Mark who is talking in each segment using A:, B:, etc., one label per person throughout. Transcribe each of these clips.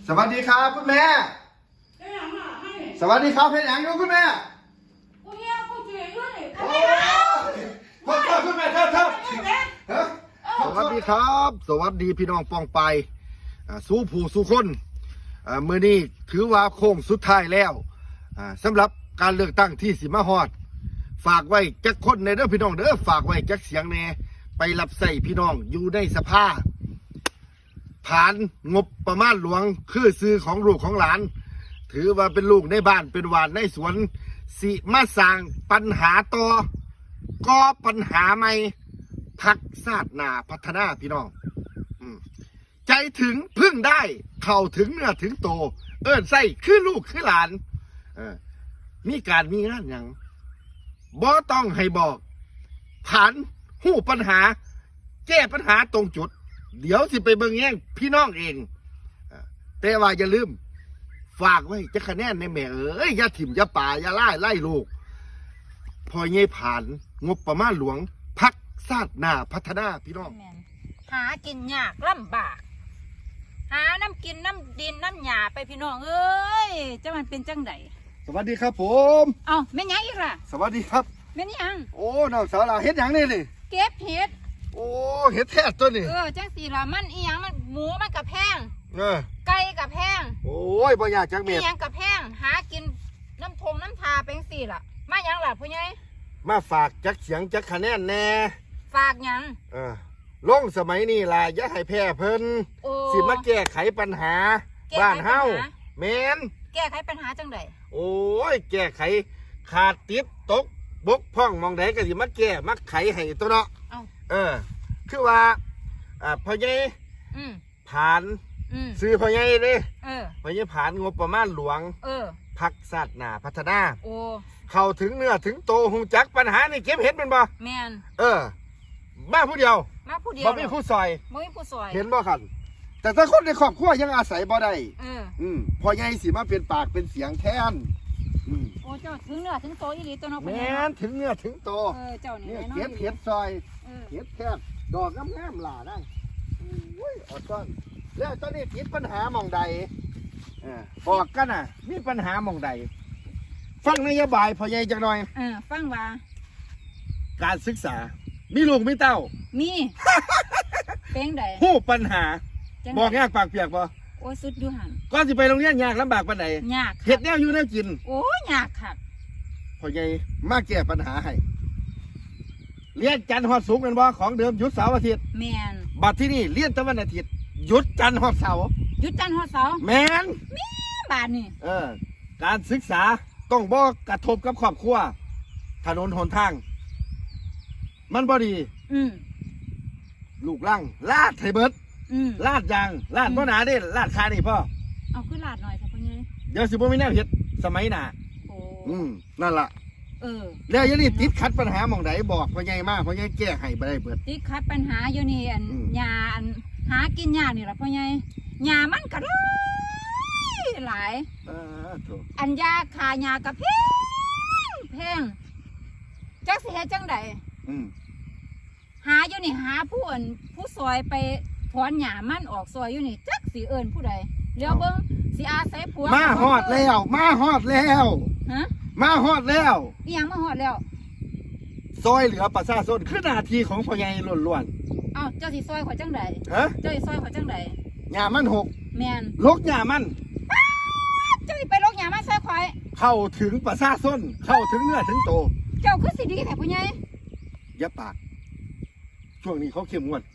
A: สวัสดีครับคุณแม่สวัสดีครับเพลงหนังดูคุณแม่โอ้ยพ่อคุณแม่ครับสวัสดีครับสวัสดีพี่น้องปองไปสู้ผู้สู้คนเมื่อนี้ถือว่าโค้งสุดท้ายแล้วสำหรับการเลือกตั้งที่สิมาฮอดฝากไว้จักคนในเด้อพี่น้องเด้อฝากไว้จักเสียงแน่ไปรับใส่พี่น้องอยู่ในสภาผ่านงบประมาณหลวงคือซื้อของลูกของหลานถือว่าเป็นลูกในบ้านเป็นหวานในสวนสิมาสร้างปัญหาต่อก่อปัญหาใหม่พักชาติหน้าพัฒนาพี่น้องใจถึงพึ่งได้เข้าถึงเนื้อถึงโตเอิ้นใส่คือลูกคือหลานมีการมีงานอย่างบ่ต้องให้บอกผ่านหู้ปัญหาแก้ปัญหาตรงจุดเดี๋ยวสิไปเบิ่งแย่งพี่น้องเองแต่ว่าอย่าลืมฝากไว้จะคะแนนในแม่เอ้ยอย่าถิ่มอย่าป่าอย่าไล่ลูกพอเงี้ยผ่านงบประมาณหลวงพักชาติหน้าพัฒนาพี่น้อง
B: หากินยากลำบากหาน้ำกินน้ำดินน้ำหยาไปพี่น้องเอ้ยจะมันเป็นจังได
A: สวัสดีครับผม
B: เอ้าแม่ยังอีกล่ะ
A: สวัสดีครับ
B: แม่ยัง
A: โอ้น้องสาวเราเฮ็ดหยังนี่นี่
B: เก็บเห็ด
A: โอ้เฮ็ดแท้ตัวนี่
B: จังสีละมันอีหยังมันหมูมันกับแพงไก่กับแพง
A: โอ้ยบ่อยากจักเม็ด
B: อีหยังกับแพงหากินน้ำทงน้ำทาเป็นสี่ล่ะมาหยังล่ะพ่อใหญ่
A: มาฝากจักเสียงจักคะแนนแน่
B: ฝากหยัง
A: ลงสมัยนี้ล่ะอย่าให้แพ้เพิ่นสิมาแก้ไขปัญหาบ้านเฮาแม่น
B: แก้ไขปัญหาจังได
A: โอ้ยแก้ไขขาดติดตกบกพร่องมองใดก็สิมาแก้มาไขให้ตัวเนาะคือว่าพ่อใหญ่ผ่านซื้อพ่อใหญ่เด้พ่อใหญ่ผ่านงบประมาณหลวงพักชาติหน้าพัฒนาเข้าถึงเนื้อถึงโตหูจักปัญหานี่เก็บเห็นเป็นบ่
B: แม่น
A: มาผู้เดียวบ่มีผู้ซอยเห็นบ่ครับแต่ถ้าคนในครอบครัวยังอาศัยบ่ได้พ่อใหญ่สิมาเป็นปากเป็นเสียงแทน
B: โอ้เจ้าถึงเนื้อถึงโตอีหลีตัวน้อง
A: แม่นถึงเนื้อถึงโต
B: เจ้านี่
A: เก็บเห็ดซอยเห็ดแคบดอกงามๆหล่าได้อดต้นแล้วตอนนี้ติดปัญหาหม่องใดบอกกันน่ะมีปัญหาหม่องใดฟังนโยบายพ่อใหญ่จังหน่อย
B: ฟังว่า
A: การศึกษามีลูกมีเต้า
B: มีเป็นได
A: ฮู้ปัญหาบอกยากปากเปียกบ่
B: โอ้สุดอยู่หั่น
A: ก่อนสิไปโรงเรียนยากลำบากปานใด
B: ยาก
A: เฮ็ดแนวอยู่แนวกิน
B: โอ้ยากค่ะ
A: พ่อใหญ่มาแก้ปัญหาให้เรียนจันทร์ฮอดศุกร์แม่นบ่ของเดิมหยุดเสาร์อาทิตย์
B: แม่น
A: บัดที่นี่เรียนแต่วันอาทิตย์หยุดจันทร์ฮอดเสาร์
B: หยุดจันทร์ฮอดเสาร์
A: แม่น
B: บาดนี่
A: การศึกษาต้องบ่กระทบกับครอบครัวถนนหนทางมันบ่ดีลูกลังลาดไทเบิดลาดยางลาดบ่หนาเด้ลาดคานี่พ่อ
B: เอาขึ้นลาดหน่อยค่ะพ่อใหญ่
A: เดี๋ยวสิบ่มีแนวเฮ็ดสมัยหน้านั่นล่ะแล้วยังนี่ติดขัดปัญหาหม่องใดบอกพ่อใหญ่มาพ่อใหญ่แก้ให้บ่ได้เบิด
B: ติดขัดปัญหาอยู่นี่หญ้าหากินหญ้านี่ล่ะพ่อใหญ่หญ้ามันก็หลายอันยาคาหญ้าก็แพงจักสิเฮ็ดจังไดหาอยู่นี่หาผู้ซอยไปถอนหญ้ามันออกซอยอยู่นี่จักสิเอิ้นผู้ใดเดี๋ยวเบิ่งสิอาศัยผัว
A: มาฮอดแล้วมาฮอดแล้วมาฮอดแล้ว
B: อีหยังมาฮอดแล้ว
A: ซอยเหลือประชาชนคือหน้าที่ของพ่อใหญ่ล้วน
B: ๆเอ้าเจ้าสิซอยข่อยจังไดเจ้าสิซอยข่อยจังได
A: หญ้ามันหก
B: แม่น
A: ลกหญ้ามัน
B: เจ้าสิไปลกหญ้ามันซอยข่อย
A: เข้าถึงประชาชนเข้าถึงเนื้อถึงโต
B: เจ้าคือสิดีแท้พ่อใหญ่
A: อย่าปากช่วงนี้เขาเข้มงวด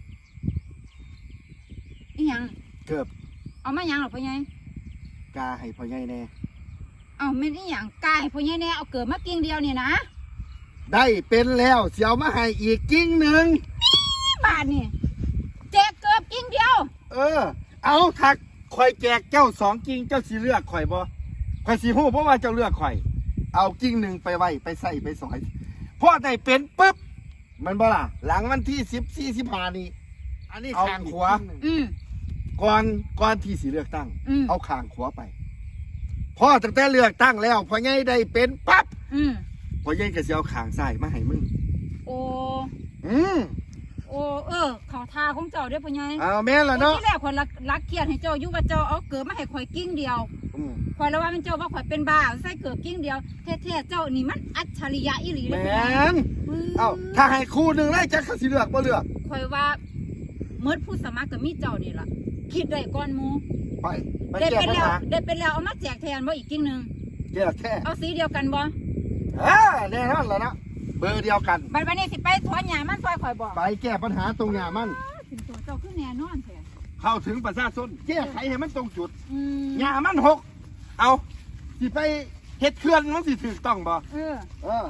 B: อีหยัง
A: เกือบ
B: เอามาหยังหรอพ่อใหญ่
A: กาให้พ่อใหญ่แน่
B: เอาแม่นอีหยังกาให้พ่อใหญ่แน่เอาเกิดมากิ่งเดียวนี่นะ
A: ได้เป็นแล้วเสียวมาให้อีกกิ่งหนึ่ง
B: บาทนี่แจกเกือบกิ่งเดียว
A: เอาถักข่อยแจกเจ้า2กิ่งเจ้าสิเลือกข่อยบ่ข่อยสิฮู้เพราะว่าเจ้าเลือกข่อยเอากิ่งหนึ่งไปไว้ไปใส่ไปสอยพอได้เป็นปึ๊บมันบ่ล่ะหลังวันที่14-15นี่อันนี้ข้างขวาก่อนที่สิเลือกตั้งเอาข้างขวาไปพอตั้งแต่เลือกตั้งแล้วพ่อใหญ่ได้เป็นปั๊บพ่อใหญ่ก็สิเอาข้างซ้ายมาให้มึงโอ้
B: โอ้เขาทาของเจ้าเด้อพ่อใหญ่
A: เอาแม่นล่ะเนาะ
B: ที่แรกข่อยรักเกียรติให้เจ้าอยู่ว่าเจ้าเอาเกิดมาให้ข่อยกิ้งเดียวข่อยแล้วว่ามันเจ้าว่าข่อยเป็นบ้าใส่เกิดกิ้งเดียวแท้ๆเจ้านี่มันอัจฉริยะอีหลี
A: แม
B: เลย
A: นเอ้าถ้าให้คู่หนึ่งได้จักเขาสิเลือกบ่เลือก
B: ข่อยว่าเมื่อผู้สมัครก็มีเจ้านี่ล่ะคิดได้ก่อนหมู่
A: ไป
B: ได้
A: แก้
B: เป็น
A: ปัญ
B: แล้ว
A: หา
B: ได้เป็นแล้วเอามาแจกแทนบ่อีกกิ้งหนึง
A: แก้แค่
B: เอาสีเดียวกันบ่
A: แน่นอนแล้วนะเบอร์เดียวกัน
B: บัดนี้สิไปถอนหญ้ามันซอยข่อยบ่
A: ไปแก้ปัญหาตรงหญ้ามัน
B: ถึงตัวเจ้าคือแน่นอนแท้
A: เข้าถึงประชาชนแก้ไขให้มันตรงจุด
B: ม
A: หญ้ามันหกเอาสิไปเฮ็ดเขื่อนมันสิถูกต้องบ่
B: เออ
A: เออ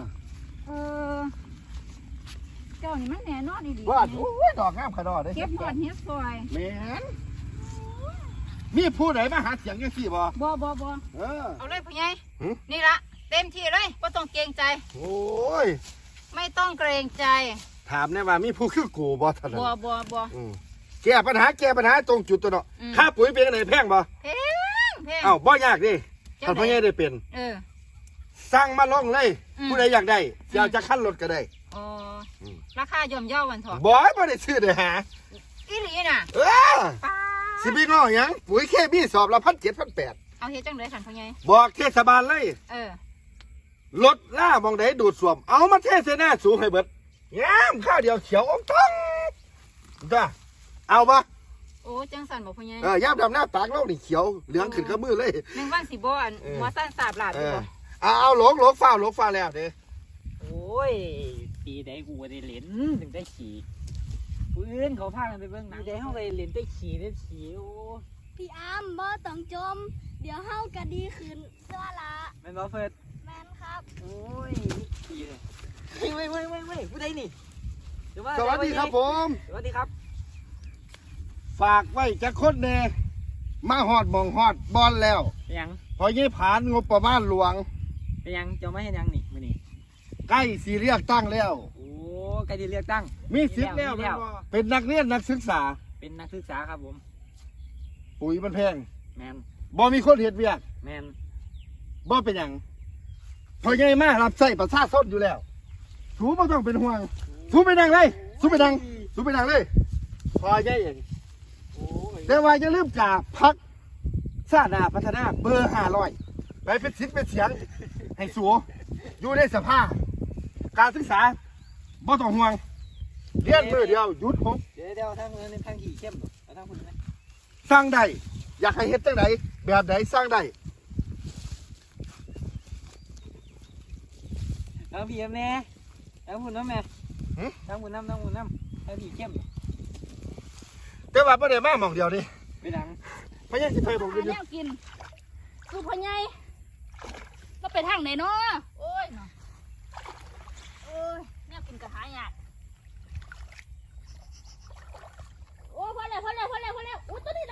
B: เจ้านี่มันแน่นอนอีหลี
A: ว่าโอ้ยดอกงามขนาดเด้
B: เก็บหอดเฮ็ดซอย
A: แม่นมีผู้ใดมาหาเสียงจังซี่บ่
B: บ่
A: เออ
B: เอาเลยผู้ใหญ่
A: หึ
B: นี่ละเต็มที่เลยบ่ต้องเกรงใจ
A: โอ้ย
B: ไม่ต้องเกรงใจ
A: ถามแน่ว่ามีผู้คือกูบ่เท่านั้น
B: บ่
A: อืมแก้ปัญหาตรงจุดตัวเนาะ
B: อืม
A: ค่าปุ๋ยเป็นจังไดแพงบ่
B: เพง
A: เอ้าบ่ยากดิ
B: จัง
A: ท่านพ่อใหญ่ได้เป็น
B: เออ
A: สร้างมาลงเลย
B: อืม
A: ผู้ใดอยากได้จะเอาจะขั้นรถก็ได้
B: อ๋ออ
A: ม
B: ราคาย่อมเยาวันเถอะ
A: บ่ให้บ่ได้ซื้อได้หา
B: อีหลีน่ะ
A: เออ
B: ป้า
A: สิพี่ง้อหยังปุ๋ยเคมีสอบละ1,700 1,800
B: เอาเฮ็ดจังได๋ท่านพ่อใหญ่
A: บอกเทศบาลเลย
B: เออ
A: รถล่ามองใดดูดซ่วม เอามาเทใส่หน้าสูงให้เบิดงามข้าวเดียวเขียวอมท้องจ้าเอาบ่
B: โอ้จังสั่นบ่พ่อใหญ่
A: ยามดำหน้าปากเรานี่เขียวเหลืองขึ้นกับมือเลย
B: หนึ่งวันสิบ่อัน
A: เออ
B: หัวสั้นสาบลาด
A: เอ
B: อยู่
A: อ
B: บ่
A: เอาหลงฟ้าแล้วเด้
C: โอ้ย ปีใดกูก็ได้เหรียญถึงได้ขี่ปืนเขาพากันไปเบิ่งหนังปีใดเขาก็ได้เหรียญได้ขี่ได้ขี่โอ้
D: พี่อ้ำบ่ต้องจม เดี๋ยวเฮาก็ดีขึ้นเสื้อละ
C: แม่นบ่เฟิร์ด
D: แมนครับ
C: โอ้ยขี่เลยเว้ยผู้ใดนี่เดี๋ยวว่า
A: สวัสดีครับผม
C: สวัสดีครับ
A: ฝากไว้จะคนแน่มาฮอดหมองฮอดบอลแล้ว
C: ไปยัง
A: พอยี่ผ่านงบประมาณหลวง
C: ไปยังเจ้าไม่ให้ยังนี่มื้อนี้
A: ใกล้สีเรียกตั้งแล้ว
C: โอ้ใกล้จะเลือกตั้ง
A: มีสิทธิ์แล้ว
C: มีแล้ว
A: เป็นนักเรียนนักศึกษา
C: เป็นนักศึกษาครับผม
A: ปุ๋ยมันแพง
C: แมน
A: บ่มีคนเห็ดเวียก
C: แมน
A: บ่เป็นหยังพอใหญ่มารับใส่ประชาชนอยู่แล้วสูบ่ต้องเป็นห่วงสูไปนั่งเลยสูไปนั่งเลยพอใหญ่เอง
C: โอ้ย
A: แต่ว่าอย่าลืมกาพักชาติหน้าพัฒนาเบอร์500ไปเป็นสิทธิ์เป็นเสียงให้สูอยู่ในสภาพการศึกษาบ่ต้องห่วงเรียนมือเดียวหยุด6
C: เดี๋ยวทางนึงทางขี่เข้มเอาทางคุณนะ
A: สร้างได้อยากให้เฮ็ดจังไดแบบไหนสร้างได้
C: เอาพี่แม่เอาคุณน้ำแม่ทางคุณน้ำทางขี่เข้ม
A: แต่ว่าบ่ได้มาหม่องเดียวนี่
C: ไปดัง
A: พะยังสิไปบอก
D: หา
A: อยู่
D: แนวกินสูพ่อใหญ่ก็ไปทางไหนเนาะโอ้ยเนาะโอ้ยแนวกินกระหายากโอ้ยพอแล้วอู้ตัวนี้ละ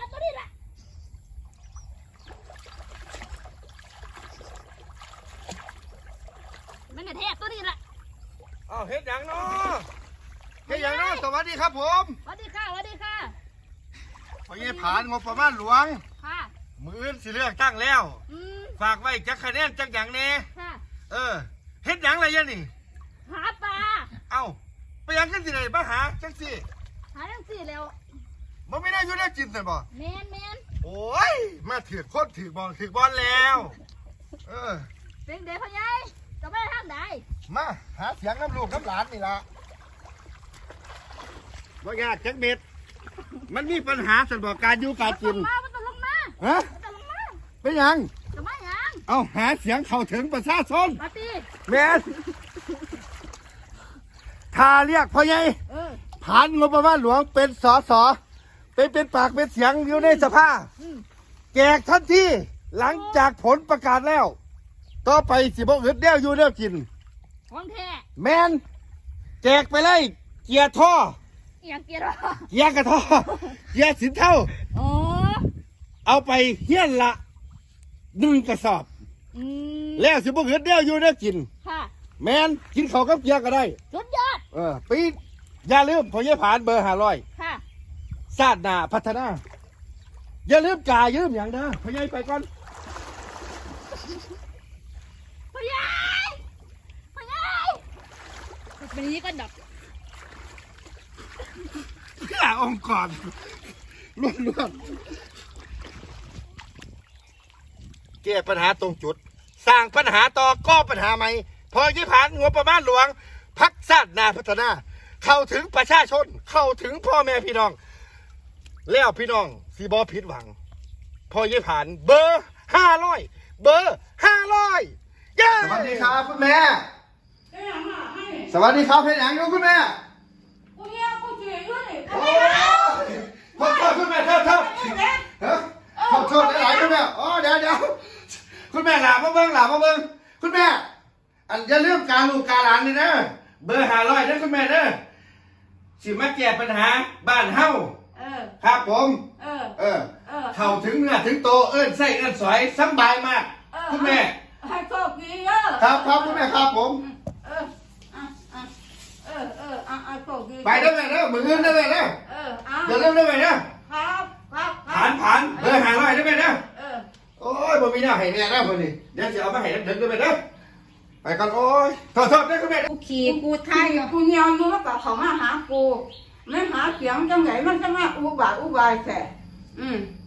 D: มันน่ะแท้ตัวนี้ละ
A: อ้าวเฮ็ดหยังเนาะเฮ็ดหยังเนาะสวัสดีครับผม
D: สวัสดีค่ะ
A: พอยังผ่านงบประมาณหลวง
D: ค่ะ
A: มื้ออื่นสิเลือกตั้งแล้ว ฝากไว้จักคะแนนจักหยังแน่
D: ค่ะ
A: เฮ็ดหยังอะไรยะนี่
D: หาปลา
A: เอ้าไปหยังกันสิได้มาหาจังสิ
D: หาทั้งสี่แล้ว
A: บ่มีได้อยู่ได้กินซั่นบ่
D: แมน
A: โอ้ยมาถือโคตรถือบอลแล้ว
D: เป็นเด็กพ่อใหญ่จะไปทางไหน
A: มาหาเสียงน้ำลูกน้ำหลานนี่ล่ะบ่ยากจักเม็ดมันมีปัญหาสันบอกการอยู่การกิน
D: มันต้องลงมา
A: ฮะ
D: มันต้องลงมา
A: เป็นหยัง
D: จะมาหยัง
A: เอาหาเสียงเข้าถึงประชาชน
D: มาตี
A: แม่นถ้าเรียกพ่อใหญ่ผ่านงบประมาณหลวงเป็นสสเป็นปากเป็นเสียงอยู่ในสภาแจกทันทีหลังจากผลประกาศแล้ว ต่อไปสิบ่อึดเดียวอยู่เดียวกิน
D: ของแท้
A: แมนแจกไปเลยเกียร์ท่อ
D: เอียงเกียร์
A: เกียร์กระท่อเกียร์สินเท่า
D: โอ้
A: เอาไปเฮี้ยนละ1 กระสอบ แล้วสิบ่อึดเดียวอยู่เดียวกิน
D: ค่ะ
A: แมนกินข้าวกับเกียร์ก็ได้
D: สุดยอด
A: ปีอย่าลืมพอยี่ผ่านเบอร์500
D: ค่ะ
A: ชาติหน้าพัฒนา อย่าลืมกายืมอย่างนะพอยี่ไปก่อน
D: พ่อใหญ่เป็นอย่างนี้ก็ดับ
A: เพื่อองค์กรล้วนๆแก้ปัญหาตรงจุด สร้างปัญหาต่อก็ปัญหาใหม่พอยี่ผ่านงบประมาณหลวงพักชาตินาพัฒนา เข้าถึงประชาชนเข้าถึงพ่อแม่พี่น้อง แล้วพี่น้องสีบอผิดหวัง พอยี่ผ่านเบอร์500เบอร์500สวัสดีครับคุณแม่สวัสดีครับเพนหนังอยู่คุณแม่โอ้ยขอโทษคุณแม่โทษโทษหลายๆคุณแม่อ๋อเดี๋ยวคุณแม่หลามาเบิ้งคุณแม่อันอย่าลืมการลูกการหลานนี่นะเบอร์500นะคุณแม่นะสิมาแก้ปัญหาบ้านเฮาครับผมเข้าถึงเนื้อถึงโตเอิ้นไส้เอิ้นสอยสบายมากคุณแม่
B: ให้โชคดีเด้อ
A: ครับคุณแม่ครับผม
B: โชคดี
A: ไปได้ไหมนะมือเงินได้ไหมนะเดี๋ยวเริ่มได้ไหมนะครับผ่านเบอร์500ได้ไหมนะโอ้ยบ่มีหน้าให้แน่นะคนนี้เดี๋ยวจะเอามาให้เด็กได้ไหมนะไปก่อนโอ้ยโทษได้คุณแม่
B: กูขี่กูไทยกูเนียวอยู่แล้วก็เขามาหากูไม่หาเสียงจังไหนมันจะมาอุบายแท้